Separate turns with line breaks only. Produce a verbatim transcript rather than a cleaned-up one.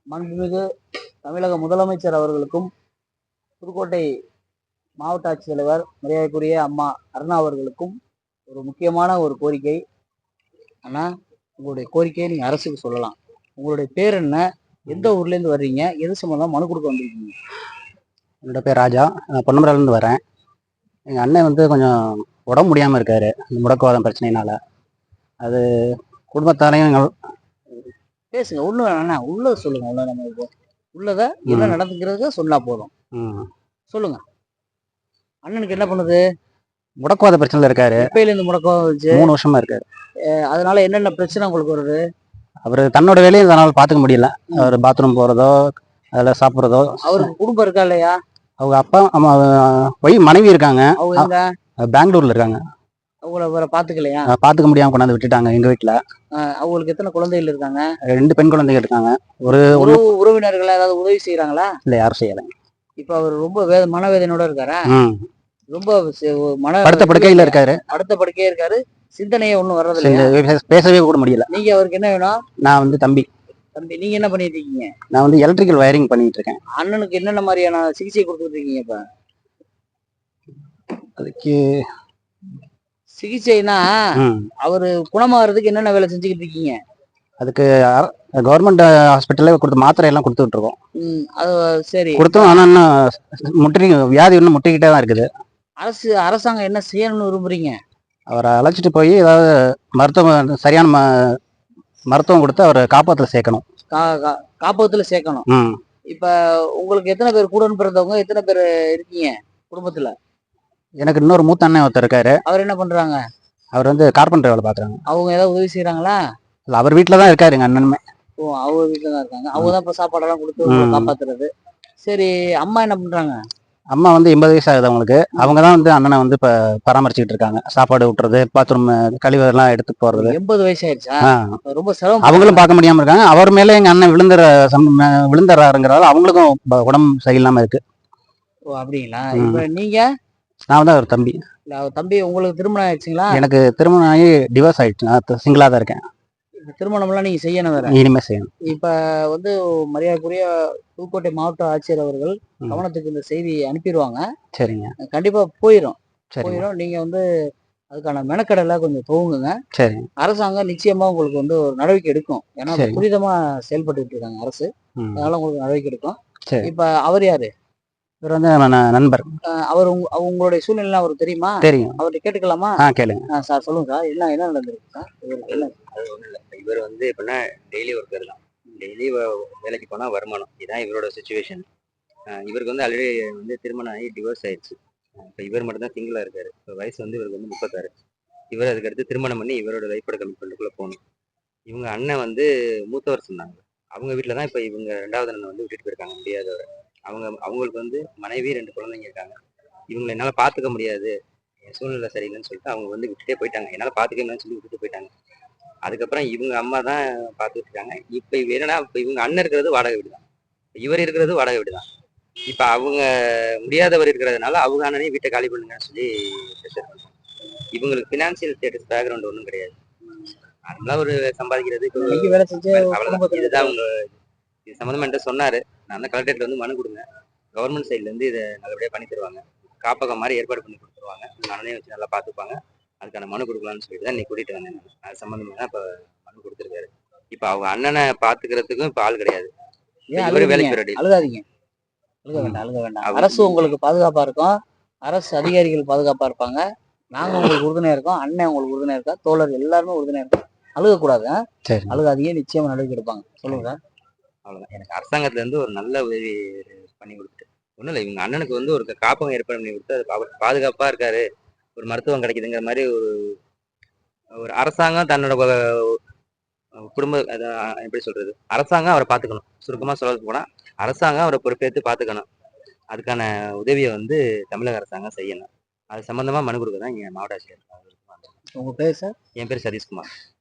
மாண்புமிகு தமிழக முதலமைச்சர் அவர்களுக்கும், புதுக்கோட்டை மாவட்ட ஆட்சித்தலைவர் மரியாதைக்குரிய அம்மா அருணா அவர்களுக்கும் ஒரு முக்கியமான ஒரு கோரிக்கை. அண்ணா, உங்களுடைய கோரிக்கையை நீங்க அரசுக்கு சொல்லலாம். உங்களுடைய பேர் என்ன? எந்த ஊர்ல இருந்து வர்றீங்க? எது சம்பந்தமா மனு கொடுக்க வந்திருக்கீங்க?
என்னோட பேர் ராஜா. நான் பொன்னமராலேருந்து வரேன். எங்கள் அண்ணன் வந்து கொஞ்சம் உடம்பு முடியாமல் இருக்காரு, இந்த முடக்குவாதம் பிரச்சனையினால. அது குடும்பத்தாரையும் எங்கள்
பேசுங்க. உள்ள அண்ணா உள்ளத சொல்லுங்க. உள்ள நம்ம இப்போ உள்ளத என்ன நடந்துக்கிறத சொன்னா போதும்.
ம்
சொல்லுங்க. அண்ணனுக்கு என்ன பண்ணுது?
முடக்குவாத பிரச்சனையில் இருக்காரு.
எப்பயில இருந்து முடக்குவாதம் வந்துச்சு?
மூணு வருஷமா இருக்காரு.
அதனால என்னென்ன பிரச்சனை உங்களுக்கு வருது?
அவர் தன்னோட வேலையை அதனால் பார்த்துக்க முடியல. அவர் பாத்ரூம் போகிறதோ, அதில் சாப்பிட்றதோ.
அவருக்கு குடும்பம் இருக்கா இல்லையா?
அவங்க அப்பா அம்மா ஒய் மனைவி இருக்காங்க.
அவங்க எங்க?
பெங்களூர்ல இருக்காங்க.
அவங்கள வேற பாத்துக்கலையா?
பாத்துக்க முடியாம கொண்டாந்து விட்டுட்டாங்க எங்க வீட்டுல.
அவங்களுக்கு எத்தனை குழந்தைகள் இருக்காங்க?
ரெண்டு பெண் குழந்தைகள் இருக்காங்க. ஒரு
உறவினர்கள் ஏதாவது உதவி செய்யறாங்களா?
இல்ல, யாரும் செய்யல.
இப்ப அவர் ரொம்ப வேத மனவேதனையோட இருக்காரா? ரொம்ப மன
படுத்த படுக்கையில இருக்காரு.
படுத்த படுக்கையே இருக்காரு. சிந்தனையே ஒண்ணும் வர்றது இல்ல.
பேசவே கூட முடியல.
நீங்க அவருக்கு என்ன வேணும்?
நான் வந்து தம்பி.
தம்பி, நீங்க என்ன பண்ணிட்டு இருக்கீங்க?
நான் வந்து எலக்ட்ரிக்கல் வயரிங் பண்ணிட்டு இருக்கேன்.
அண்ணனுக்கு என்னென்ன மாதிரியான சிகிச்சை கொடுத்துட்டு இருக்கீங்க? இப்ப
அதுக்கு
சிகிச்சைனா அவரு குணமாகறதுக்கு என்னென்ன வேலை செஞ்சுக்கிட்டு இருக்கீங்க?
அதுக்கு கவர்மெண்ட் ஹாஸ்பிட்டல்ல கொடுத்த மாத்திரை எல்லாம் கொடுத்துட்டு இருக்கோம்.
அது சரி
கொடுத்தோம். ஆனா இன்னும் முற்றி வியாதி இன்னும் முட்டிக்கிட்டே தான் இருக்குது.
அரசு அரசாங்கம் என்ன செய்யணும்னு விரும்புறீங்க?
அவரை அழைச்சிட்டு போய் ஏதாவது மருத்துவம் சரியான ம மருத்துவம் கொடுத்து அவரை காப்பகத்துல சேர்க்கணும்.
காப்பகத்துல சேர்க்கணும். இப்ப உங்களுக்கு எத்தனை பேர் கூட பிறந்தவங்க? எத்தனை பேர் இருக்கீங்க குடும்பத்துல?
எனக்கு இன்னொரு மூத்த அண்ணன் ஒருத்தர் இருக்காரு.
அவர் என்ன பண்றாங்க?
அவர் வந்து கார்பெண்டர் வேலை பாக்குறாங்க.
அவங்க ஏதாவது உதவி செய்யறாங்களா?
இல்ல, அவர் வீட்டுலதான் இருக்காரு எங்க அண்ணனுமே.
ஓ, அவங்க வீட்டுலதான் இருக்காங்க. அவங்கதான் இப்ப சாப்பாடெல்லாம் கொடுத்து காப்பாத்துறது. சரி, அம்மா என்ன பண்றாங்க?
அம்மா வந்து எண்பது வயசு ஆகுது அவங்களுக்கு. அவங்கதான் வந்து அண்ணனை வந்து இப்ப பராமரிச்சுட்டு இருக்காங்க. சாப்பாடு விட்டுறது, பாத்ரூம் கழிவெல்லாம் எடுத்து போறது.
எண்பது வயசு ஆயிடுச்சா? ரொம்ப சிரமம்.
அவங்களும் பார்க்க முடியாம இருக்காங்க. அவர் மேல எங்க அண்ணன் விழுந்துற விழுந்துறாருங்கிறதால அவங்களுக்கும் உடம்பு சரியில்லாம இருக்கு.
ஓ, அப்படிங்களா? இப்ப நீங்க?
நான் வந்து அவர் தம்பி.
தம்பி, உங்களுக்கு திருமணம் ஆயிடுச்சுங்களா?
எனக்கு திருமணம் ஆகி டிவோர்ஸ் ஆயிடுச்சு. நான் சிங்கிளா தான் இருக்கேன்.
திருமணம் எல்லாம் நீங்க செய்யணும் வேற.
இனிமே செய்யணும்.
இப்ப வந்து மரியாதைக்குரிய புதுக்கோட்டை மாவட்ட ஆட்சியர் அவர்கள் கவனத்துக்கு இந்த செய்தி அனுப்பிடுவாங்க.
சரிங்க,
கண்டிப்பா போயிடும். போயிடும். நீங்க வந்து அதுக்கான மெனக்கடலை கொஞ்சம் துவங்குங்க. சரி, அரசாங்கம் நிச்சயமா உங்களுக்கு வந்து ஒரு நடவடிக்கை எடுக்கும். ஏன்னா துரிதமா செயல்பட்டு இருக்காங்க அரசு. அதனால உங்களுக்கு நடவடிக்கை எடுக்கும். இப்ப அவர் யாரு?
இவர் வந்து நண்பர்.
அவர் உங்களுடைய சூழ்நிலை அவருக்கு தெரியுமா?
தெரியும்.
அவர்கிட்ட கேட்டுக்கலாமா?
கேளுங்க
சார். சொல்லுங்க சார். என்ன என்ன நடந்திருக்கு சார்? இவருக்கு என்ன?
அது ஒன்றும் இல்லை. இவர் வந்து எப்படின்னா டெய்லி ஒர்க்கர் தான். டெய்லி வேலைக்கு போனால் வருமானம். இதுதான் இவரோட சுச்சுவேஷன். இவருக்கு வந்து ஆல்ரெடி வந்து திருமணம் ஆகி டிவோர்ஸ் ஆயிடுச்சு. இப்போ இவர் மட்டும் தான் சிங்கிளாக இருக்காரு. இப்போ வயசு வந்து இவருக்கு வந்து முப்பத்தாறு. இவர் அதுக்கடுத்து திருமணம் பண்ணி இவரோட லைஃபோட கமிட்மெண்ட்டுக்குள்ளே போகணும். இவங்க அண்ணன் வந்து மூத்தவர் சொன்னாங்க. அவங்க வீட்டில் தான் இப்போ இவங்க ரெண்டாவது அண்ணன் வந்து விட்டுட்டு போயிருக்காங்க, முடியாதவர். அவங்க அவங்களுக்கு வந்து மனைவி, ரெண்டு குழந்தைங்க இருக்காங்க. இவங்களை என்னால் பார்த்துக்க முடியாது, என் சூழ்நிலை சரியில்லைன்னு சொல்லிட்டு அவங்க வந்து விட்டுட்டே போயிட்டாங்க. என்னால் பார்த்துக்க முடியாதுன்னு சொல்லி விட்டுட்டு போயிட்டாங்க. அதுக்கப்புறம் இவங்க அம்மா தான் பார்த்துட்டு இருக்காங்க. இப்போ இவ என்னன்னா, இப்போ இவங்க அண்ணன் இருக்கிறது வாடகை வீடு தான், இவர் இருக்கிறது வாடகை வீடு தான். இப்போ அவங்க முடியாதவர் இருக்கிறதுனால அவங்க அண்ணனையும் வீட்டை காலி பண்ணுங்கன்னு சொல்லி ப்ரெஷர் பண்ணுறாங்க. இவங்களுக்கு ஃபினான்சியல் ஸ்டேட்டஸ் பேக்ரவுண்ட் ஒன்றும் கிடையாது. நார்மலாக ஒரு சம்பாதிக்கிறது இதுதான். அவங்க இது சம்மந்தமாக என்கிட்ட சொன்னார். நான் தான் கலெக்டரேட்ல வந்து மனு கொடுங்க, கவர்மெண்ட் சைட்லேருந்து இதை நல்லபடியாக பண்ணி தருவாங்க, காப்பகம் மாதிரி ஏற்பாடு பண்ணி கொடுத்துருவாங்க, அண்ணனையும் வச்சு நல்லா பார்த்துப்பாங்க, அதுக்கான மனு கொடுக்கலான்னு சொல்லிட்டு தான் நீ கூட்டிகிட்டு வந்தேன். அது சம்மந்தமாக தான் இப்போ மனு கொடுத்துருக்காரு. இப்போ அவங்க அண்ணனை பார்த்துக்கிறதுக்கும் இப்போ ஆள் கிடையாது. இவரு வேலைக்கு போயிடாது.
அழுகாதீங்க, அழுக வேண்டாம், அழுக வேண்டாம். அரசு உங்களுக்கு பாதுகாப்பாக இருக்கும். அரசு அதிகாரிகள் பாதுகாப்பாக இருப்பாங்க. நாங்கள் உங்களுக்கு உறுதுணையாக இருக்கோம். அண்ணன் உங்களுக்கு உறுதுணையாக இருக்கா, தோழர் எல்லாருமே உறுதுணையாக இருக்கோம். அழுகக்கூடாது. அழுகாதீங்க, நிச்சயமா நடவடிக்கை எடுப்பாங்க. சொல்லுங்க சார்.
அவ்வளோதான். எனக்கு அரசாங்கத்துல இருந்து ஒரு நல்ல உதவி பண்ணி கொடுத்துட்டு ஒன்றும் இல்லை. இவங்க அண்ணனுக்கு வந்து ஒரு காப்பகம் ஏற்பாடு பண்ணி கொடுத்து அது அவர் பாதுகாப்பாக இருக்காரு, ஒரு மருத்துவம் கிடைக்குதுங்கிற மாதிரி ஒரு ஒரு அரசாங்கம் தன்னோட குடும்ப எப்படி சொல்றது, அரசாங்கம் அவரை பார்த்துக்கணும். சுருக்கமாக சொல்ல போனால் அரசாங்கம் அவரை பொறுப்பேற்று பார்த்துக்கணும். அதுக்கான உதவியை வந்து தமிழக அரசாங்கம் செய்யணும். அது சம்பந்தமா மனு கொடுக்க தான் இங்கே மாவட்ட ஆட்சியர்.
உங்க பேர் சார்?
என் பேர் சதீஷ்குமார்.